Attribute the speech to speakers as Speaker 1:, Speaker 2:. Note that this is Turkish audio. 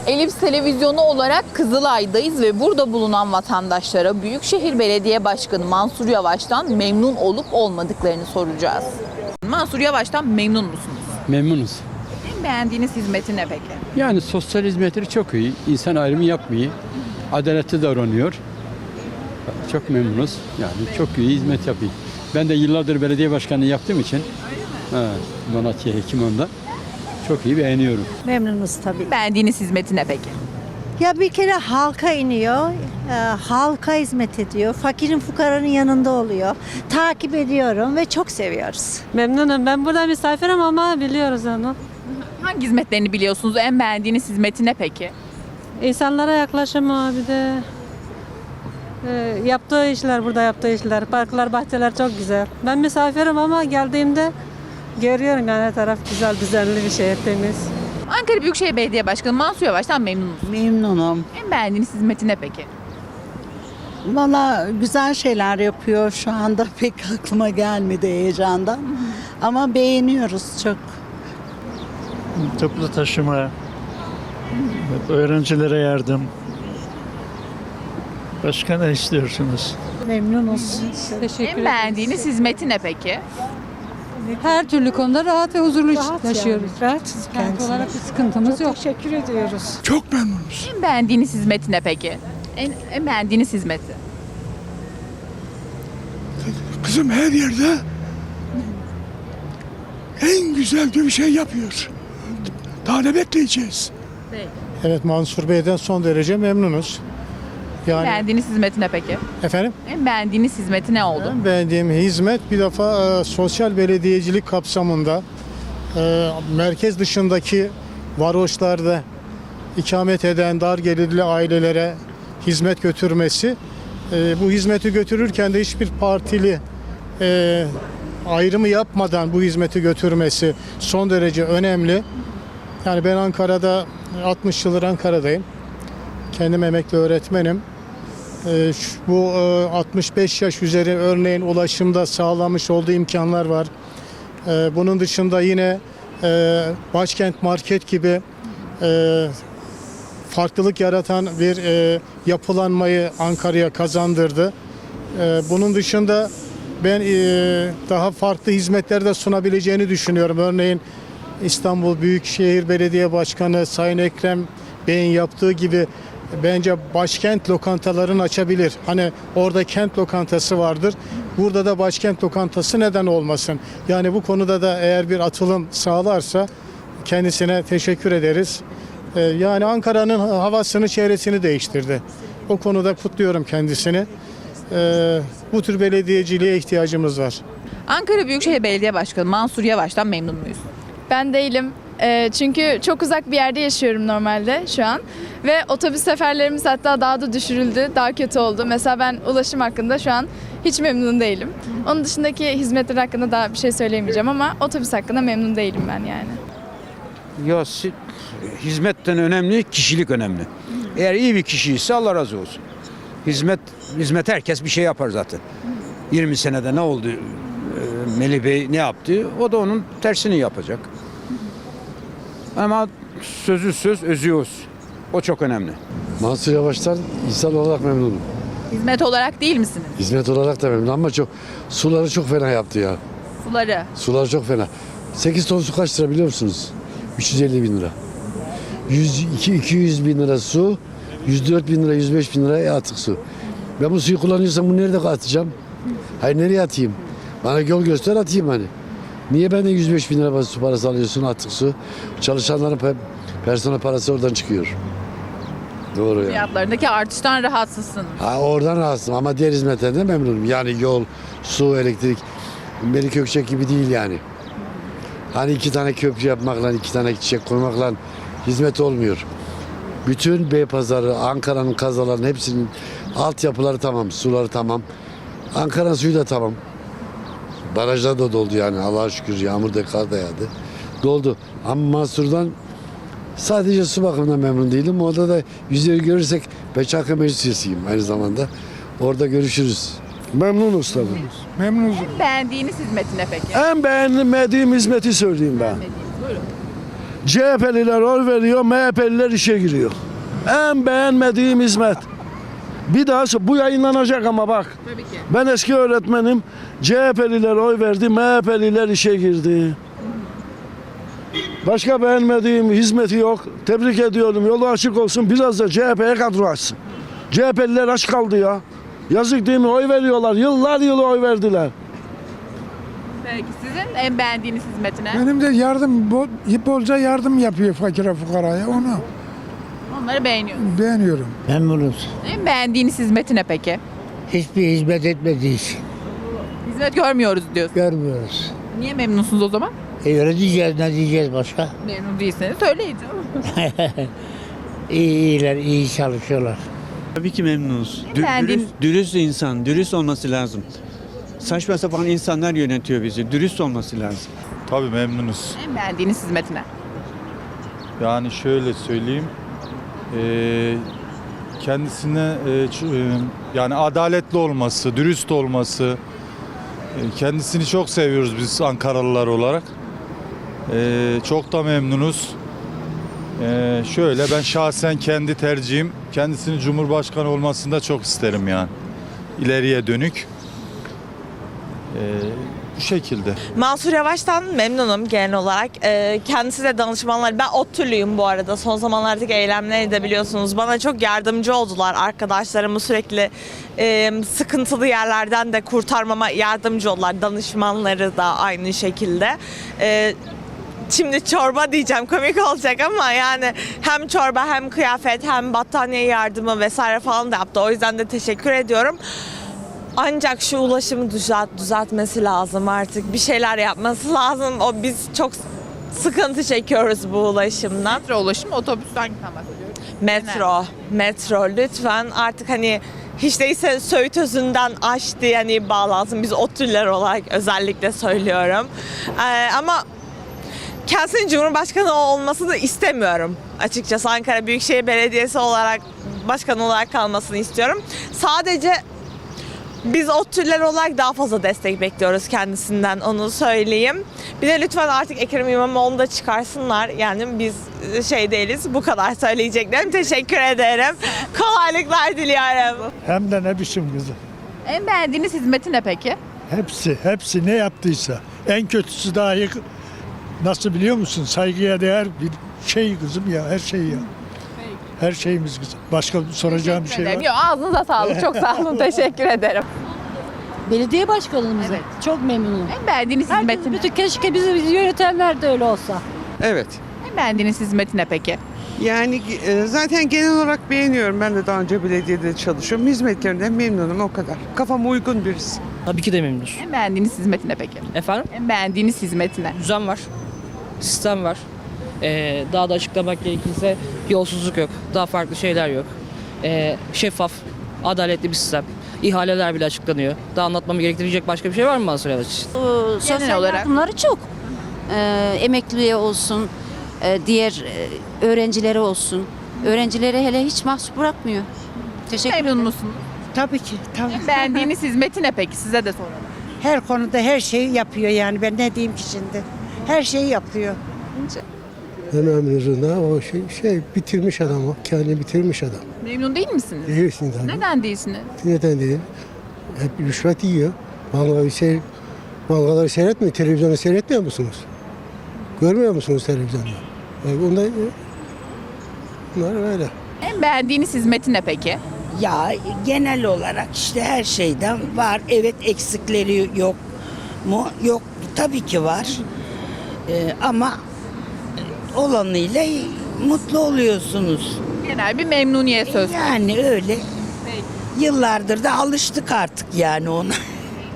Speaker 1: Elips Televizyonu olarak Kızılay'dayız ve burada bulunan vatandaşlara Büyükşehir Belediye Başkanı Mansur Yavaş'tan memnun olup olmadıklarını soracağız. Mansur Yavaş'tan memnun musunuz?
Speaker 2: Memnunuz.
Speaker 1: En beğendiğiniz hizmeti ne peki?
Speaker 2: Yani sosyal hizmetleri çok iyi. İnsan ayrımı yapmıyor. Adaletli davranıyor. Çok memnunuz. Yani çok iyi hizmet yapıyor. Ben de yıllardır belediye başkanlığı yaptığım için Malatya Hekimhan'da çok iyi beğeniyorum.
Speaker 3: Memnunuz tabii.
Speaker 1: Beğendiğiniz hizmeti ne peki?
Speaker 3: Ya bir kere halka iniyor, halka hizmet ediyor, fakirin fukaranın yanında oluyor. Takip ediyorum ve çok seviyoruz.
Speaker 4: Memnunum. Ben burada misafirim ama biliyoruz onu.
Speaker 1: Hangi hizmetlerini biliyorsunuz? En beğendiğiniz hizmeti ne peki?
Speaker 4: İnsanlara yaklaşımı bir de yaptığı işler, burada yaptığı işler, parklar, bahçeler çok güzel. Ben misafirim ama geldiğimde görüyorum yani her taraf güzel, düzenli bir şey, temiz.
Speaker 1: Ankara Büyükşehir Belediye Başkanı Mansur Yavaş'tan memnun musunuz?
Speaker 5: Memnunum.
Speaker 1: En beğendiğiniz hizmeti ne peki?
Speaker 5: Valla güzel şeyler yapıyor. Şu anda pek aklıma gelmedi heyecandan. Ama beğeniyoruz çok.
Speaker 6: Toplu taşıma, öğrencilere yardım. Başka ne istiyorsunuz?
Speaker 3: Memnunuz.
Speaker 4: Teşekkür
Speaker 1: En beğendiğiniz hizmeti ne peki?
Speaker 4: Her türlü konuda rahat ve huzurlu yaşıyoruz.
Speaker 3: Rahatsız
Speaker 4: Kent olarak bir sıkıntımız yok.
Speaker 3: Teşekkür ediyoruz.
Speaker 7: Çok memnunuz.
Speaker 1: En beğendiğiniz hizmeti ne peki? En beğendiğiniz hizmeti?
Speaker 7: Kızım her yerde en güzel bir şey yapıyor. Daha ne bekleyeceğiz?
Speaker 8: Evet, Mansur Bey'den son derece memnunuz.
Speaker 1: En
Speaker 8: Yani
Speaker 1: beğendiğiniz hizmeti ne peki?
Speaker 8: efendim,
Speaker 1: En beğendiğiniz hizmeti ne oldu?
Speaker 8: en beğendiğim hizmet bir defa sosyal belediyecilik kapsamında merkez dışındaki varoşlarda ikamet eden dar gelirli ailelere hizmet götürmesi. Bu hizmeti götürürken de hiçbir partili ayrımı yapmadan bu hizmeti götürmesi son derece önemli. Yani ben Ankara'da 60 yıldır Ankara'dayım. Kendim emekli öğretmenim. Bu 65 yaş üzeri örneğin ulaşımda sağlamış olduğu imkanlar var. Bunun dışında yine Başkent Market gibi farklılık yaratan bir yapılanmayı Ankara'ya kazandırdı. Bunun dışında ben daha farklı hizmetler de sunabileceğini düşünüyorum. Örneğin İstanbul Büyükşehir Belediye Başkanı Sayın Ekrem Bey'in yaptığı gibi bence başkent lokantalarını açabilir. Hani orada kent lokantası vardır. Burada da başkent lokantası neden olmasın? Yani bu konuda da eğer bir atılım sağlarsa kendisine teşekkür ederiz. Yani Ankara'nın havasını, çevresini değiştirdi. O konuda kutluyorum kendisini. Bu tür belediyeciliğe ihtiyacımız var.
Speaker 1: Ankara Büyükşehir Belediye Başkanı Mansur Yavaş'tan memnun muyuz?
Speaker 9: Ben değilim. Çünkü çok uzak bir yerde yaşıyorum normalde şu an. Ve otobüs seferlerimiz hatta daha da düşürüldü, daha kötü oldu. Mesela ben ulaşım hakkında şu an hiç memnun değilim. Onun dışındaki hizmetler hakkında daha bir şey söyleyemeyeceğim ama otobüs hakkında memnun değilim ben yani.
Speaker 10: Ya hizmetten önemli, kişilik önemli. Eğer iyi bir kişi ise Allah razı olsun. Hizmet herkes bir şey yapar zaten. 20 senede ne oldu? Melih Bey ne yaptı? O da onun tersini yapacak. Ama sözü söz, özü öz. O çok önemli.
Speaker 11: Mansur Yavaş'tan insan olarak memnunum.
Speaker 1: Hizmet olarak değil misiniz?
Speaker 11: Hizmet olarak da memnunum ama suları çok fena yaptı ya.
Speaker 1: Suları.
Speaker 11: Sular çok fena. 8 ton su kaç lira biliyor musunuz? 350 bin lira. 200 bin lira su, 104 bin lira, 105 bin lira atık su. Ben bu suyu kullanıyorsam bunu nerede atacağım? Hayır, nereye atayım? Bana yol göster, atayım hani. Niye benden 105 bin lira su parası alıyorsun, atık su? Çalışanların personel parası oradan çıkıyor. Doğru ya.
Speaker 1: Fiyatlarındaki artıştan rahatsızsınız.
Speaker 11: Oradan rahatsızım ama diğer hizmetlerden memnunum. Yani yol, su, elektrik. Melik Gökçek gibi değil yani. Hani 2 tane köprü yapmakla, 2 tane çiçek koymakla hizmet olmuyor. Bütün Beypazarı, Ankara'nın kazalarının hepsinin altyapıları tamam, suları tamam. Ankara'nın suyu da tamam. Barajlar da doldu yani, Allah'a şükür yağmur da kar da yağdı. Doldu. Ama Mansur'dan sadece su bakımından memnun değilim. Orada da yüzleri görürsek ben Çankaya Meclis üyesiyim aynı zamanda. Orada görüşürüz.
Speaker 7: Memnunuz tabii. Memnunuz.
Speaker 1: En beğendiğiniz hizmeti ne peki?
Speaker 7: En beğenmediğim hizmeti söyleyeyim ben.
Speaker 1: Buyurun.
Speaker 12: CHP'liler oy veriyor, MHP'liler işe giriyor. En beğenmediğim hizmet. Bir daha bu yayınlanacak ama bak.
Speaker 1: Tabii ki.
Speaker 12: Ben eski öğretmenim. CHP'liler oy verdi, MHP'liler işe girdi. Başka beğenmediğim hizmeti yok. Tebrik ediyorum. Yolu açık olsun. Biraz da CHP'ye kadro açsın. CHP'liler aç kaldı ya. Yazık değil mi? Oy veriyorlar. Yıllar yılı oy verdiler.
Speaker 1: Peki sizin en beğendiğiniz hizmetine?
Speaker 7: Benim de bolca yardım yapıyor fakire fukaraya. Onu
Speaker 1: Onları beğeniyorsunuz.
Speaker 7: beğeniyorum.
Speaker 13: Memnunuz.
Speaker 1: En beğendiğiniz hizmetine peki?
Speaker 13: Hiçbir hizmet etmediği için
Speaker 1: Hizmet görmüyoruz diyorsunuz.
Speaker 13: görmüyoruz.
Speaker 1: Niye memnunsunuz o zaman?
Speaker 13: Öyle diyeceğiz, ne diyeceğiz başka?
Speaker 1: Memnun değilseniz söyleyin.
Speaker 13: İyiler, iyi çalışıyorlar.
Speaker 6: Tabii ki memnunuz.
Speaker 1: Beğendiğin-
Speaker 6: Dürüst insan, dürüst olması lazım. Saçma sapan insanlar yönetiyor bizi. Dürüst olması lazım.
Speaker 14: Tabii memnunuz.
Speaker 1: En beğendiğiniz hizmetine?
Speaker 14: Yani şöyle söyleyeyim. Kendisine yani adaletli olması, dürüst olması. Kendisini çok seviyoruz biz Ankaralılar olarak. Çok da memnunuz. Şöyle ben şahsen kendi tercihim kendisinin Cumhurbaşkanı olmasını da çok isterim yani. İleriye dönük. Bu şekilde.
Speaker 15: Mansur Yavaş'tan memnunum genel olarak. Kendisi de danışmanlar. Ben ODTÜ'lüyüm bu arada. Son zamanlardaki eylemleri de biliyorsunuz. Bana çok yardımcı oldular. Arkadaşlarımı sürekli sıkıntılı yerlerden de kurtarmama yardımcı oldular. Danışmanları da aynı şekilde. Şimdi çorba diyeceğim, komik olacak ama yani hem çorba hem kıyafet hem battaniye yardımı vesaire falan da yaptı. O yüzden de teşekkür ediyorum. Ancak şu ulaşımı düzeltmesi lazım artık. Bir şeyler yapması lazım. Biz çok sıkıntı çekiyoruz bu ulaşımdan.
Speaker 1: Metro ulaşım, otobüsten bahsediyoruz.
Speaker 15: Metro lütfen artık hani hiç değilse Söğüt Özü'nden aştı yani bağlansın. Biz ODTÜ'lüler olarak özellikle söylüyorum. Ama kendisinin Cumhurbaşkanı olmasını istemiyorum açıkçası. Ankara Büyükşehir Belediyesi olarak başkan olarak kalmasını istiyorum. Sadece biz ODTÜ'lüler olarak daha fazla destek bekliyoruz kendisinden, onu söyleyeyim. Bir de lütfen artık Ekrem İmamoğlu'nu da çıkarsınlar. Yani biz değiliz. Bu kadar söyleyeceklerim. Teşekkür ederim. Kolaylıklar diliyorum.
Speaker 7: Hem de ne biçim kızım.
Speaker 1: En beğendiğiniz hizmeti ne peki?
Speaker 7: Hepsi ne yaptıysa. En kötüsü dahi nasıl biliyor musun? Saygıya değer bir şey kızım ya, her şey ya. Her şeyimiz kızım. Başka soracağım bir şey var.
Speaker 1: Yok, ağzınıza sağlık. Çok sağ olun. Teşekkür ederim.
Speaker 4: Belediye başkanımız
Speaker 1: Evet.
Speaker 4: çok memnunum.
Speaker 1: En beğendiğiniz hizmeti ne?
Speaker 4: Keşke bizi yönetenler de öyle olsa.
Speaker 10: Evet.
Speaker 1: En beğendiğiniz hizmeti ne peki?
Speaker 5: Yani zaten genel olarak beğeniyorum. Ben de daha önce belediyede çalışıyorum. Hizmetlerinden memnunum o kadar. Kafama uygun birisi.
Speaker 4: Tabii ki de memnunuz.
Speaker 1: En beğendiğiniz hizmeti ne peki?
Speaker 4: Efendim?
Speaker 1: En beğendiğiniz hizmeti ne?
Speaker 4: Düzen var. Sistem var. Daha da açıklamak gerekirse yolsuzluk yok. Daha farklı şeyler yok. Şeffaf, adaletli bir sistem. İhaleler bile açıklanıyor. Daha anlatmamı gerektirecek başka bir şey var mı Mansur Yavaş için?
Speaker 1: Genel olarak.
Speaker 3: Yardımları çok. Emekliye olsun, diğer öğrencilere olsun. Öğrencileri hele hiç mahcup bırakmıyor. Teşekkür
Speaker 1: Memnun musunuz?
Speaker 5: Tabii ki. Tabii.
Speaker 1: En beğendiğiniz hizmeti ne peki? Size de soralım.
Speaker 5: Her konuda her şeyi yapıyor yani. Ben ne diyeyim ki şimdi? Her şeyi yapıyor.
Speaker 12: En önemlisinden o bitirmiş adam o. Kendini bitirmiş adam.
Speaker 1: Memnun değil misiniz?
Speaker 12: Değilsin tabii.
Speaker 1: Neden değilsiniz?
Speaker 12: Neden değil? Hep rüşvet yiyor. Bankaları seyretmiyor. Televizyonu seyretmiyor musunuz? Görmüyor musunuz televizyonda? Bunlar öyle.
Speaker 1: En beğendiğiniz hizmeti ne peki?
Speaker 5: Ya genel olarak işte her şeyden var. Evet, eksikleri yok mu? Yok, tabii ki var. Ama olanıyla mutlu oluyorsunuz.
Speaker 1: Genel bir memnuniyet söz konusu.
Speaker 5: Yani öyle. Yıllardır da alıştık artık yani ona.